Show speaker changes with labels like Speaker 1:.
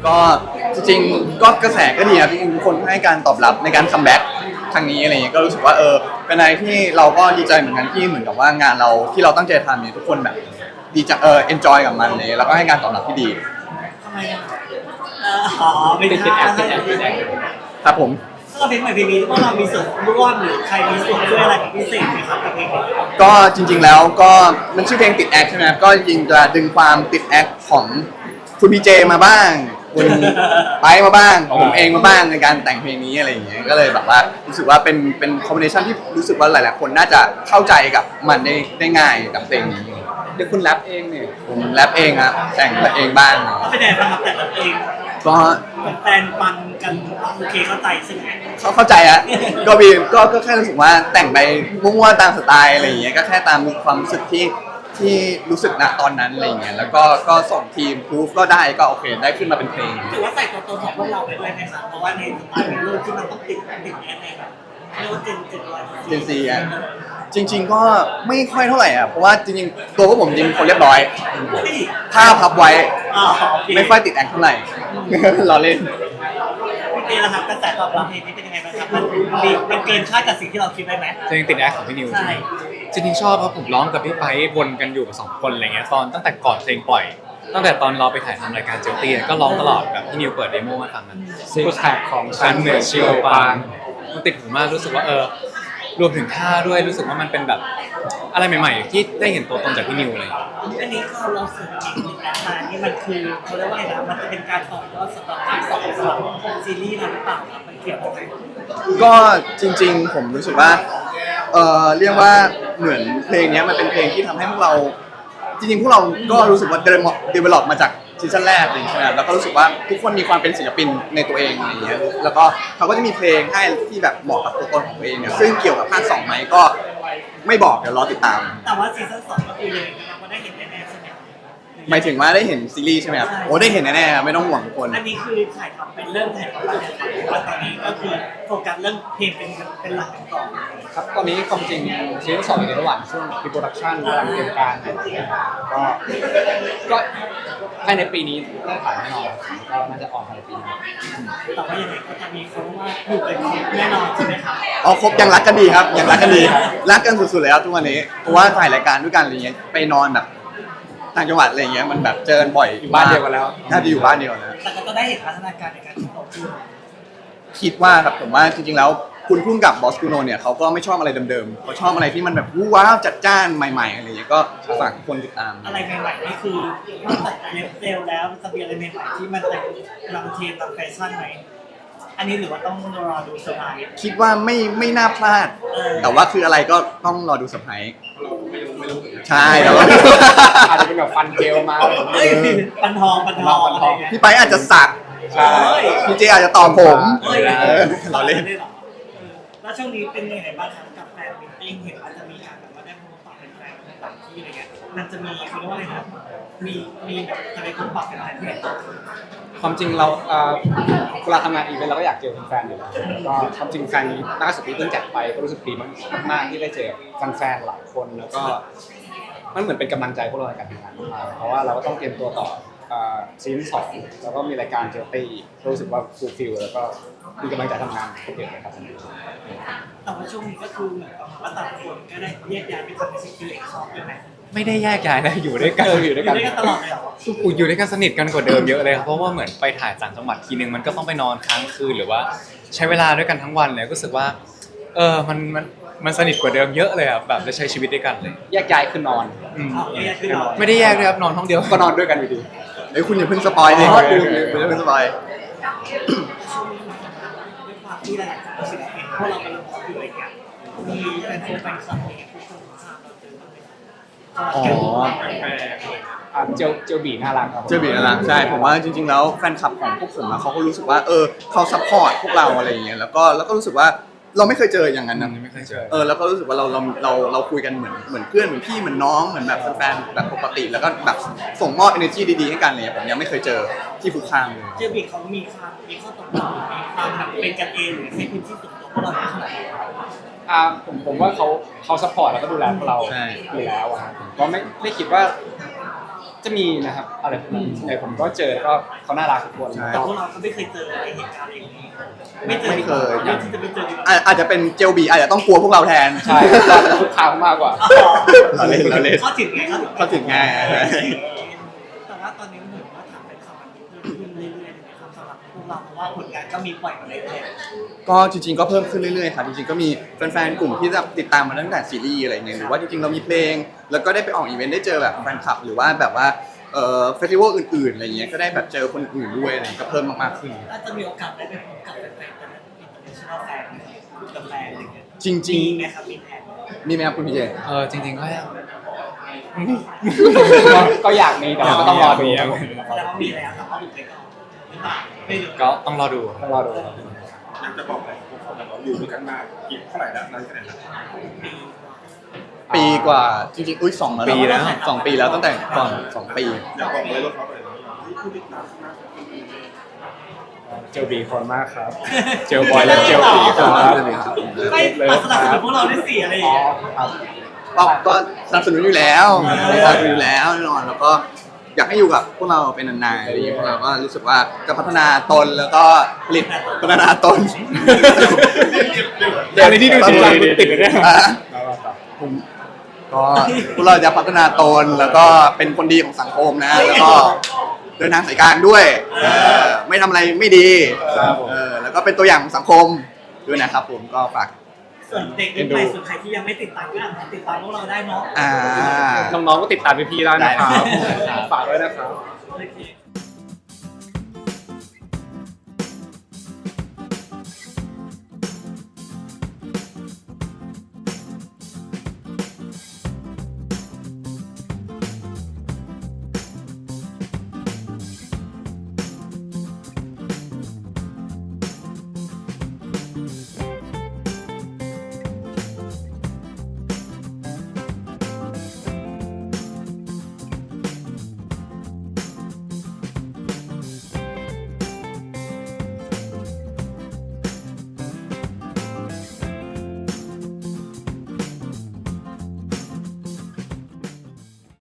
Speaker 1: ก็จริงๆก็กระแสก็ดีครับจริงๆทุกคนให้การตอบรับในการคัมแบ็กครั้งนี้อะไรเงี้ยก็รู้สึกว่าเป็นอะไรที่เราก็ดีใจเหมือนกันที่เหมือนกับว่างานเราที่เราตั้งใจทำเนี่ยทุกคนแบบดีจังเอนจอยกับมันเลยแล้วก็ให้การตอบรับที่ดี
Speaker 2: ทำไมอ่ะอ๋อไม่ใช่
Speaker 1: ครับผม
Speaker 2: ถ้าเราเพลงใหม่เพลงนี้ว่าเรามีส่วนร่วมหรือใครมีส่วนช่วยอะไรเป็นพิเศษไหมครับกับเพลงนี้
Speaker 1: ก็จริงๆแล้วก็มันชื่อเพลงติดแอคใช่ไหมครับก็จริงๆจะดึงความติดแอคของคุณพีเจมาบ้างคุณไปมาบ้างของผมเองมาบ้างในการแต่งเพลงนี้อะไรอย่างเงี้ยก็เลยแบบว่ารู้สึกว่าเป็นคอมบิเนชันที่รู้สึกว่าหลายๆคนน่าจะเข้าใจกับมันได้ง่ายกับเพลงนี้
Speaker 3: เดี๋ยวคุณแรปเองเนี่ย
Speaker 1: ผมแรปเองครับแต่งเองบ้าง
Speaker 2: ก็เป็นยังไงบ้างครับแต่ละเพลง
Speaker 1: ก็
Speaker 2: แฟนฟังกันโอเคเข้าใจใช่ไหม
Speaker 1: เข้าใจอะก็แค่รู้สึกว่าแต่งไปมั่วๆตามสไตล์อะไรอย่างเงี้ยก็แค่ตามความรู้สึกที่รู้สึกณตอนนั้นอะไรอย่างเงี้ยแล้วก็ส่งทีมพูฟก็ได้ก็โอเคได้ขึ้นมาเป็นเพลง
Speaker 2: ถือว่าใส่ตัวตนของพวกเราไปด้วยไหมครับเพราะว่าในสไตล์เป็นรูปที่มันต้องติดแอนในแบบเรียกว่าเจน
Speaker 1: ซีอ่ะจริงๆก็ไม่ค่อยเท่าไหร่อ่ะเพราะว่าจริงๆตัวพวกผมจริงคนเรียบร้อยถ้าพับไว้ไม่ค่อยติดแอคเท่าไหร่เราเล่น
Speaker 2: พี่เต้ละครับกระแสตอบรับเพลงนี้เป็นยังไงบ้างครับมันเกินคาดกับสิ่งที่เราคิดไว้ไหม
Speaker 3: เพลงติดแอคของพี่นิว
Speaker 2: ใช่
Speaker 3: จริงๆชอบครับผมร้องกับพี่ไปวนกันอยู่กับ2 คนอะไรเงี้ยตั้งแต่ก่อนเพลงปล่อยตั้งแต่ตอนเราไปถ่ายทำรายการเจลตี้ก็ร้องตลอดแบบพี่นิวเปิดเดโมมาฟังกันซิกแพคของฉันเหนือชิโอปางมันติดหูมากรู้สึกว่ารวมถึงท่าด้วยรู้สึกว่ามันเป็นแบบอะไรใหม่ๆที่ได้เห็นตัวตนจากพี่นิวเลย
Speaker 2: อันนี้คือเราเสริมอีกหนึ่งแอดมานี่มันคือเขาเรียกว่าอะไรนะมันจะเป็นการต่อยอดสำหรับภาค 2สำหรับซีรีส์เราหรือเปล่าครับมันเกี่ยวกับอะไร
Speaker 1: ก็จริงๆผมรู้สึกว่าเรียกว่าเหมือนเพลงนี้มันเป็นเพลงที่ทำให้พวกเราจริงๆพวกเราก็รู้สึกว่าdevelop มาจากซีซั่นแรกเลยใช่ไหมแล้วก็รู้สึกว่าทุกคนมีความเป็นศิลปินในตัวเองอะไรอย่างเงี้ยแล้วก็เขาก็จะมีเพลงให้ที่แบบเหมาะกับตัวตนของตัวเองเนี่ยซึ่งเกี่ยวกับภาค 2ไหมก็ไม่บอกเดี๋ยวรอติดตาม
Speaker 2: แต่ว่าซีซั่น 2ก็คือเลยเราก็ได้เห็นแน่ๆใช่ไหม
Speaker 1: หมายถึงว่าได้เห็นซีรีส์ใช่ไหมครับโอ้ได้เห็นแน่ๆไม่ต้องห่วงทุกคน
Speaker 2: อันนี้คือถ่ายทำเป็นเริ่มถ่ายทำแล้วว่าตอนนี้ก็คือโฟกัสเรื่องเพลงเป็นหลักก่อน
Speaker 3: ครับตอนนี้ความจริงซีซั่น 2อยู่ในระหว่างช่วงพรีโปรดักชันกำลังเตรียมการก็ภายในปีนี้ได้ถ่ายแน่นอนก็น่าจะออนภายในปีนี้
Speaker 2: แต่ว่ายังไงก็จะมีเขาว่าอยู่เป็นครบแน่นอนใช่ไหมครับ
Speaker 1: ครบยังรักกันดีครับยังรักกันดีรักกันสุดๆเลยครับทุกวันนี้เพราะว่าถ่ายรายการด้วยกันอะไรเงี้ยไปนอนแบบต่างจังหวัดอะไรเงี้ยมันแบบเจอกันบ่อย
Speaker 3: อยู่บ้านเดียวกันแล้ว
Speaker 1: น่าจะอยู่บ้านเดียวนะ
Speaker 2: แต่ก็ได้เห็นพัฒนาการในการโตขึ้น
Speaker 1: คิดว่าครับผมว่าจริงๆแล้วคุณพุ่งกับบอสกูโนเนี่ยเขาก็ไม่ชอบอะไรเดิมๆเขาชอบอะไรที่มันแบบว้าวจัดจ้านใหม่ๆอะไรเงี้ยก็ฝากคนติดตาม
Speaker 2: อะไรใหม่ๆนี่คือนอกจากเล็บเซลแล้วจะมีอะไรใหม่ๆที่มันจะนำเทรนด์นำแฟชั่นไหมอันนี้หรือว่าต้องรอดูเซอร์ไพรส์
Speaker 1: คิดว่าไม่น่าพลาดแต่ว่าคืออะไรก็ต้องรอดูเซอร์ไพรส์
Speaker 3: ไม่รู้
Speaker 1: ใช่แล้ว
Speaker 3: อาจจะเป็นแบบฟันเจลมา
Speaker 2: ปันทอง
Speaker 1: พี่ไปอาจจะสักพี่เจอาจจะตอบผมเราเล่น
Speaker 2: แล้วช่วงนี้เป็นยังไงบ้างครับกับแฟนมิทติ้งเห็นว่าจะมีการแบบว่าได้พบปะเป็นแฟนต่างที่อะไรเงี้ยมันจะมีเขาเรียกว่าอะไรครับมีแบบจะไปพบปะเป็นอะไรที่ไหน
Speaker 3: ความจริงเราเวลาทำงานอีเวนต์เราก็อยากเจอแฟนอยู่แล้วก็ความจริงแฟนนี้ล่าสุดที่เพิ่งจัดไปก็รู้สึกดีมากๆที่ได้เจอแฟนหลายคนแล้วก็มันเหมือนเป็นกำลังใจพวกเราในการทำงานมากเพราะว่าเราก็ต้องเตรียมตัวต่อซีซั่น 2แล้วก็มีรายการเจลตี้รู้สึกว่าฟูลฟิลแล้วก็มีกำลังใจทำงานเยอะเลยครับ
Speaker 2: แต่ว่าช่วงนี้ก็คือเหมือนกับว่าแต่ละคนก็ได้แยกย้ายไปทำในสิ่งที่ตัวเองชอบด้วยไหม
Speaker 3: ไม่ได้แยกย้ายนะอยู่ด้วยกัน
Speaker 2: อยู่ด้วยกันตลอดเลยเหรอ
Speaker 3: อยู่ด้วยกันสนิทกันกว่าเดิมเยอะเลยครับเพราะว่าเหมือนไปถ่ายต่างจังหวัดทีนึงมันก็ต้องไปนอนค้างคืนหรือว่าใช้เวลาด้วยกันทั้งวันเลยก็รู้สึกว่ามันสนิทกว่าเดิมเยอะเลยครับแบบได้ใช้ชีวิตด้วยกันเลย
Speaker 1: แยกย้ายคือนอน
Speaker 3: ไม่ได้แยกเลยครับนอนห้องเดียว
Speaker 1: ก็นอนด้วยกันอยู่ดีเฮ้ยคุณอย่าเพิ่งสปอยเลยคุณอย่าเพิ่งสปอย
Speaker 2: ที่หลายๆคนศิลปินพวกเรากำลังพูดอยู่อะไรเงี้ยมีแฟนคลับเนี่ยทุกคนทราบเราเจอ
Speaker 3: อ๋อเจลบีน่ารักครับ
Speaker 1: เจลบีน่ารักใช่ผมว่าจริงๆแล้วแฟนคลับของพวกผมเขาก็รู้สึกว่าเขาซัพพอร์ตพวกเราอะไรอย่างเงี้ยแล้วก็รู้สึกว่าเราไม่เคยเจออย่างนั้นนะ
Speaker 3: ไม่เคยเจอ
Speaker 1: แล้วก็รู้สึกว่าเราคุยกันเหมือนเพื่อนเหมือนพี่เหมือนน้องเหมือนแบบแฟนแบบปกติแล้วก็แบบส่งมอบ energy ดีๆให้กันเลยผมยังไม่เคยเจอที่ผูกข้างเลย
Speaker 2: เจลบีเขามีข้อตกลงมีความแบบเป็นกันเองหรือให้พื้นที่ส่วนตัวพวกเราเท่าไหร่
Speaker 3: ผมว่าเขาซัพพอร์ตแล้วก็ดูแลพวกเราอยู่แล้วครับผมก็ไม่คิดว่าจะมีนะครับอะไรพวกนั้นส่วนใหญ่ผมก็เจอก็เขาน่ารักทุกคน
Speaker 1: ใช่
Speaker 2: แต่พวกเราก็ไม่เคยเจออะไรเหตุการณ์อย่างนี้ไม่เจอ
Speaker 1: ไม่เคย
Speaker 2: เรื่องที่จะไม่เจอดีกว่า
Speaker 1: อาจจะเป็นเจลบีอาจจะต้องกลัวพวกเราแทน
Speaker 3: ใช่ก็ทุกครั้งมากกว่า
Speaker 1: เราเล่นเราเล่น
Speaker 2: เข้าถึงไง
Speaker 1: เข้าถึงง่าย
Speaker 2: แต่ว่าตอนนี้เหมือนว่าถามเป็นคำมันเพิ่มขึ้นเรื่อยๆนะครับสำหรับพวกเราเพราะว่าผลงานก็มีปล่อยมาเรื่อย
Speaker 1: ก็จริงๆก็เพิ่มขึ้นเรื่อยๆครับจริงๆก็มีแฟนๆกลุ่มที่จะติดตามมาตั้งแต่ซีรีส์อะไรเงี้ยหรือว่าจริงๆเรามีเพลง แล้วก็ได้ไปออกอีเวนต์ได้เจอแบบแฟนคลับหรือว่าแบบว่าเฟสติวัลอื่นๆอะไรเงี้ยก็ได้แบบเจอคนอื่นด้วยอะไรเงี้ยก็เพิ่มมากๆขึ้น
Speaker 2: ๆน่าจะมีโอกาสได้ไปพบกับแฟนๆกันอินเตอร์เนชั่นแนลแฟนกับแฟนอะไรเงี้ย
Speaker 1: จริง
Speaker 2: มีไหมครับมีแผน
Speaker 1: ๆ มีไหมครับคุณพี่เจ
Speaker 3: จริงๆก็ก็อยากมีแต่ว่าก็ต้องรอดู
Speaker 2: แสดงว่ามีแล้วแต่ว่าดูไปก่อนหรือเปล่าไม่รู้
Speaker 3: ก็ต้องรอดูต้องรอดู
Speaker 4: อยากจะบอกอะไรพวกคนเราอยู่ด้วยกันมากี่เท่าไหร่แล้วนานแค่ไหนแล้ว
Speaker 1: ปีกว่าจริงๆอุ้ย2
Speaker 3: ปีแล้ว
Speaker 1: 2 ปีแล้วตั้งแต่ก่อน2 ปี
Speaker 4: อยากบอกเลยว่าเขาไปผู้ติดตามมาก
Speaker 3: เจลบีคนมากครับ เจลบอยและเจลบีครับ
Speaker 2: ไม่ปัดสนับสนุนพวกเราได้สี่อะไรอย่างเงี้ย
Speaker 1: ก็สนับสนุนอยู่แล้วสนับสนุนอยู่แล้วแน่นอนแล้วก็อยากให้อยู่กับพวกเราเป็นนานๆอะไรอย่างเงี้ยพวกเราก็รู้สึกว่าจะพัฒนาตนแล้วก็ผลิตพัฒนาตน
Speaker 3: เดี๋ยวในที่ดูจริงจังคุณติดเลยเนี่ย
Speaker 1: ผมก็พวกเราจะพัฒนาตนแล้วก็เป็นคนดีของสังคมนะแล้วก็เดินทางสายกลางด้วยไม่ทำอะไรไม่ดี
Speaker 3: ครับผม
Speaker 1: แล้วก็เป็นตัวอย่างของสังคมด้วยนะครับผมก็ฝาก
Speaker 2: ส่วนเด็กรุ่นใหม่ส่วนใครที่ยังไม่ติดตามก็ติดตามพวกเราได้เนาะ
Speaker 1: อ่า
Speaker 3: น้องๆก็ติดตามพี่ๆได้นะครับ
Speaker 1: ได้
Speaker 3: ฝากด้วยนะครับ
Speaker 2: โอเค